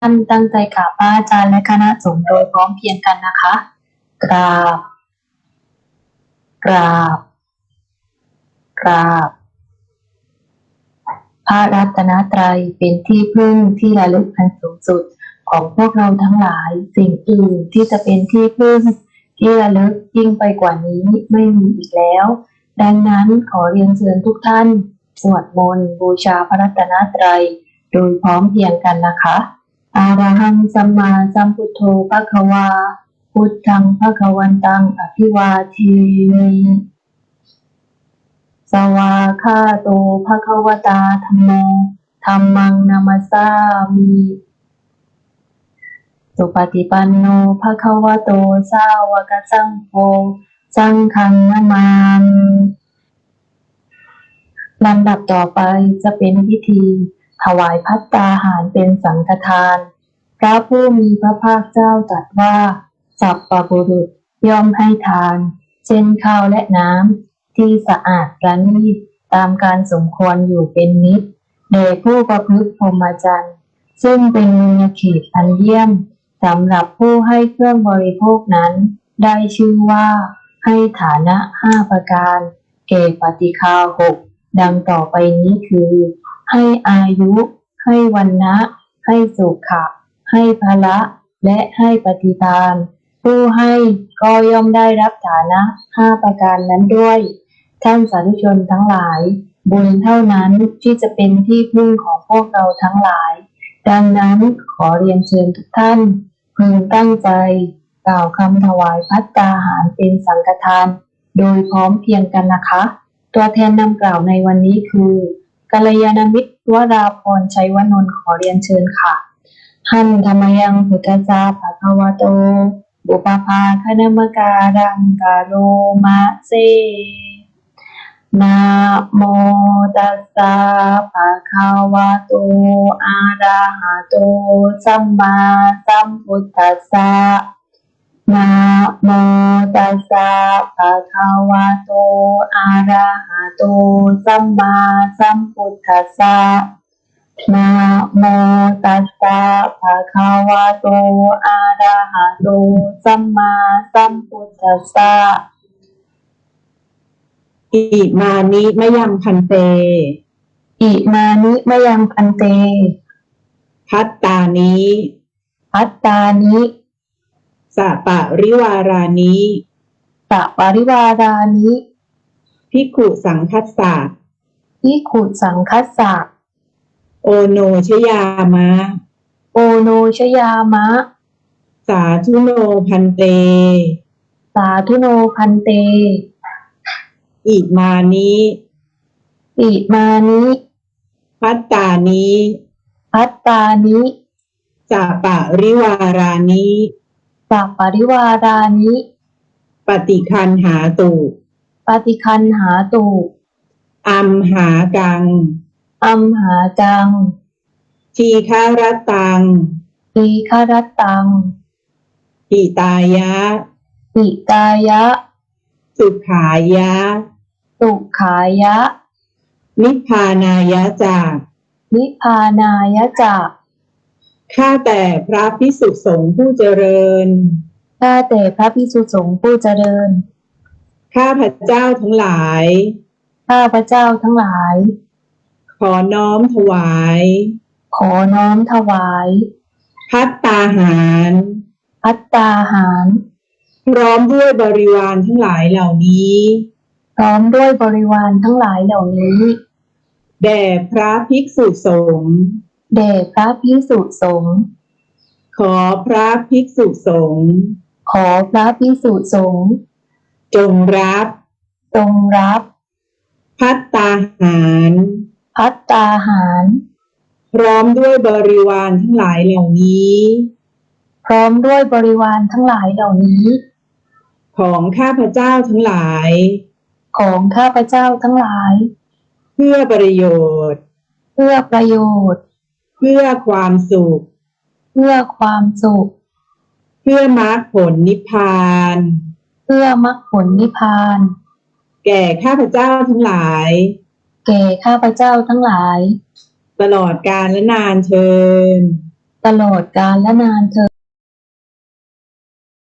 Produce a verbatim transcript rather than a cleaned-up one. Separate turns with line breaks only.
ท่านตั้งใจกราบพระอาจารย์และคณะสงฆ์โดยพร้อมเพรียงกันนะคะ กราบ กราบ กราบ พระรัตนตรัยเป็นที่พึ่งที่ระลึกอันสูงสุดของพวกเราทั้งหลายสิ่งอื่นที่จะเป็นที่พึ่งที่ระลึกยิ่งไปกว่านี้ไม่มีอีกแล้วดังนั้นขอเรียนเชิญทุกท่านสวดมนต์บูชาพระรัตนตรัยโดยพร้อมเพรียงกันนะคะอะระหังสัมมาสัมพุทโธภควาพุทธังภควันตังอภิวาเทมิสวากขาโตภควตาธัมโมธัมมังนามัสสามิสุปฏิปันโนภควโตสาวกสังโฆสังฆังนามามิลำดับต่อไปจะเป็นพิธีถวายภัตตาหารเป็นสังฆทานพระผู้มีพระภาคเจ้าตรัสว่าสัพพบุรุษย่อมให้ทานเช่นข้าวและน้ำที่สะอาดประณีตตามการสมควรอยู่เป็นนิจแด่ผู้ประพฤติพรหมจรรย์ซึ่งเป็นบุญญาเขตอันเยี่ยมสำหรับผู้ให้เครื่องบริโภคนั้นได้ชื่อว่าให้ฐานะห้าประการเกปฏิฆาหกดังต่อไปนี้คือให้อายุให้วรรณะให้สุขะให้พละและให้ปฏิทานผู้ให้ก็ย่อมได้รับฐานะห้าประการนั้นด้วยท่านสาธุชนทั้งหลายบุญเท่านั้นที่จะเป็นที่พึ่งของพวกเราทั้งหลายดังนั้นขอเรียนเชิญทุกท่านพึงตั้งใจกล่าวคำถวายภัตตาหารเป็นสังฆทานโดยพร้อมเพรียงกันนะคะตัวแทนนำกล่าวในวันนี้คือกัลยาณมิตรวราพรชัยวนนท์ขอเรียนเชิญค่ะหันธรรมยังพุทธสสะภะคะวะโตบุปภาคณมการังกาโรมะเซนะโมตัสสะภะคะวะโตอะระหะโตสัมมาสัมพุทธัสสะนะโมตัสสะภะคะวะโตอะระหะโตสัมมาสัมพุทธัสสะนะโมตัสสะภะคะวะโตอะระหะโตสัมมาสัมพุทธัสสะ
อิมานิมะยังพันเต
อิมานิมะยังพันเต
ภัตตานิ
ภัตตานิ
สัปะริวารานิ
สัปริวารานิ
ภิกขุสังคัสสะ
ภิกขุสังคัสสะ
โอโนชยามะ
โอโนชยามะ
สาธุโนพันเต
สาธุโนพันเต
อิมานิ
อิมานิ
ภัตตานิ
ภัตตานิ
สัปะริวารานิ
สัปริวารานิ
ปฏิคันหาตุ
ปฏิคันหาตุ
อัมหากัง
อัมหาจัง
ทีฆารตัง
ทีฆารตัง
อิตายะ
อิตายะ
สุขายะ
สุขายะ
นิพพานายะจา
นิพพานายะจา
ข้าแต่พระภิกษุสงฆ์ผู้เจริญ
ข้าแต่พระภิกษุสงฆ์ผู้เจริญ
ข้าพเจ้าทั้งหลาย
ข้าพเจ้าทั้งหลาย
ขอน้อมถวาย
ขอน้อมถวาย
ภัตตาหาร
ภัตตาหาร
พร้อมด้วยบริวารทั้งหลายเหล่านี้
พร้อมด้วยบริวารทั้งหลายเหล่านี้
แด่พระภิกษุสงฆ์
แด่พระภิกษุสงฆ์
ขอพระภิกษุสงฆ์
ขอพระภิกษุสงฆ์
จงรับ
จงรับ
ภัตตาหาร
ภัตตาหาร
พร้อมด้วยบริวารทั้งหลายเหล่านี้
พร้อมด้วยบริวารทั้งหลายเหล่านี้
ของข้าพเจ้าทั้งหลาย
ของข้าพเจ้าทั้งหลาย
เพื่อประโยชน์
เพื่อประโยชน์
เพื่อความสุข
เพื่อความสุข
เพื่อมรรคผลนิพพาน
เพื่อมรรคผลนิพพาน
แก่ข้าพเจ้าทั้งหลาย
แก่ข้าพเจ้าทั้งหลาย
ตลอดกาลและนานเทอญ
ตลอดกาลและนานเทอ